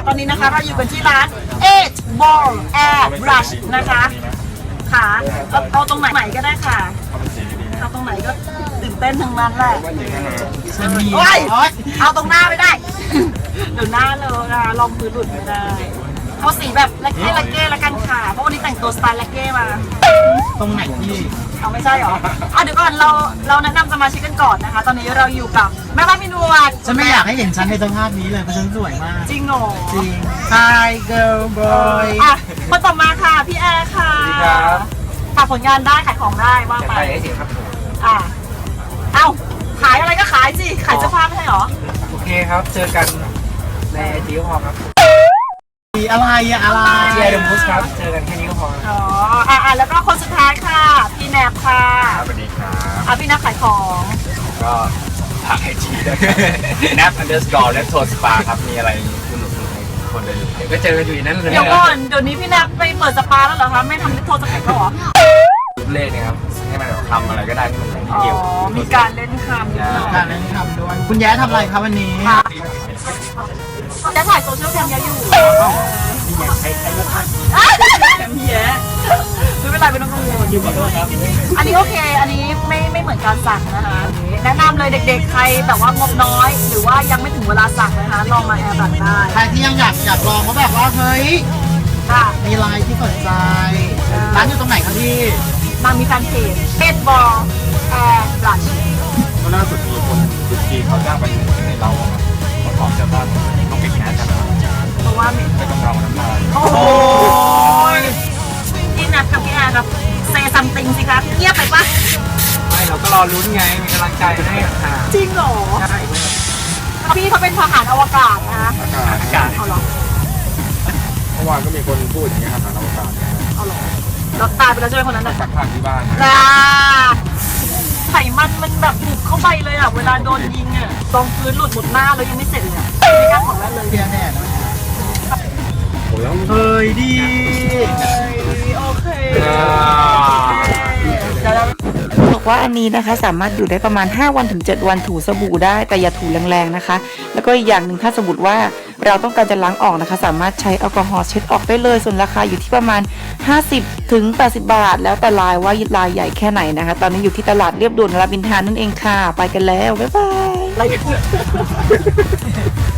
ตอนนี้นะคะเราอยู่กันที่ร้าน Eight Ball Air Brush นะคะค่ะเอาตรงไหนก็ได้ค่ะเอาตรงไหนก็ตื่นเต้นทั้งนั้นแหละโอ้ยเอาตรงหน้าไม่ได้ เดี๋ยวหน้าเลยลองพื้นหลุดไม่ได้เอาสีแบบละเก้ละกันค่ะเพราะวันนี้แต่งตัวสไตล์ละเก้มาตรงไหนพี่เอาไม่ใช่หรอเดี๋ยวก่อนเราแนะนำสมาชิกกันก่อนนะคะตอนนี้เราอยู่กับแม่บ้านพี่นวลฉันไม่อยากให้เห็นฉันในสภาพนี้เลยเพราะฉันสวยมากจริงเหรอจริง Hi girl boy คนต่อมาค่ะพี่แอร์ค่ะสวัสดีครับฝากผลงานได้ขายของได้ว่าไปได้สิครับผมเอ้าขายอะไรก็ขายสิขายเสื้อผ้าไม่ใช่หรอโอเคครับเจอกันในไอจีพอครับอะไรอะไรที่ไอเดมูสครับเจอกันแค่นี้ก็พออ๋อแล้วก็คนสุดท้ายค่ะพี่แนบค่ะสวัสดีครับพี่แนบขายของก็ฝากไอจีด้วยnap_และโทสปาครับมีอะไรสนุกให้คนได้ดูก็เจอกันอยู่นั่นเลยเดี๋ยวก่อนเดี๋ยวนี้พี่แนบไปเปิดสปาแล้วเหรอคะไม่ทำโทรศัพท์แล้วหรอเล่นนะครับให้มันทำอะไรก็ได้ที่มันไม่เกี่ยวมีการเล่นคำการเล่นคำด้วยคุณแย้ทำอะไรครับวันนี้จะถ่ายโซเชียลแคมเยอะอยู่ใช้ลูกค้าแคมเยอะไม่เป็นไรไม่ต้องกังวลอยู่กับด้วยครับอันนี้โอเคอันนี้ไม่เหมือนการสั่งนะคะแนะนำเลยเด็กๆใครแต่ว่างบน้อยหรือว่ายังไม่ถึงเวลาสั่งนะคะลองมาแอร์บัตได้ใครที่ยังอยากลองก็แบบว่าเฮ้ยมีไลน์ที่สนใจร้านอยู่ตรงไหนครับพี่นางมีแฟนเพจEightball Air Brush ก็ล่าสุดมีคนทุกทีเขาจ้างไปในเราเขาขอเจ้าบ้านต้องไปแคสกันเพราะว่าไม่ต้องเราน้ำลายโอ้ยพี่นัทกับพี่แอร์ครับเซซัมติงสิครับเงียบไปปะไม่เราก็รอลุ้นไงมีกำลังใจให้ค่ะจริงเหรอใช่พี่เขาเป็นทหารอวกาศนะคะอากาศเอาหรอเมื่อวานก็มีคนพูดอย่างนี้ครับทหารอวกาศเอาหรอเราตายไปแล้วใช่ไหมคนนั้นน่ะสักพักที่บ้านไขมันแบบบุกเข้าไปเลยเวลาโดนยิงตรงพื้นหลุดหมดหน้าแล้วยังไม่เสร็จเลยไม่กล้าของแรกเลยเพียแน่นะเฮ้ยดีโอเคบอกว่าอันนี้นะคะสามารถอยู่ได้ประมาณ5วันถึง7วันถูสบู่ได้แต่อย่าถูแรงๆนะคะแล้วก็อีกอย่างหนึ่งถ้าสมมติว่าเราต้องการจะล้างออกนะคะสามารถใช้แอลกอฮอล์เช็ดออกได้เลยส่วนราคาอยู่ที่ประมาณ50ถึง80บาทแล้วแต่ลายว่าลายใหญ่แค่ไหนนะคะตอนนี้อยู่ที่ตลาดเรียบด่วนรามอินทรานั่นเองค่ะไปกันแล้วบ๊ายบาย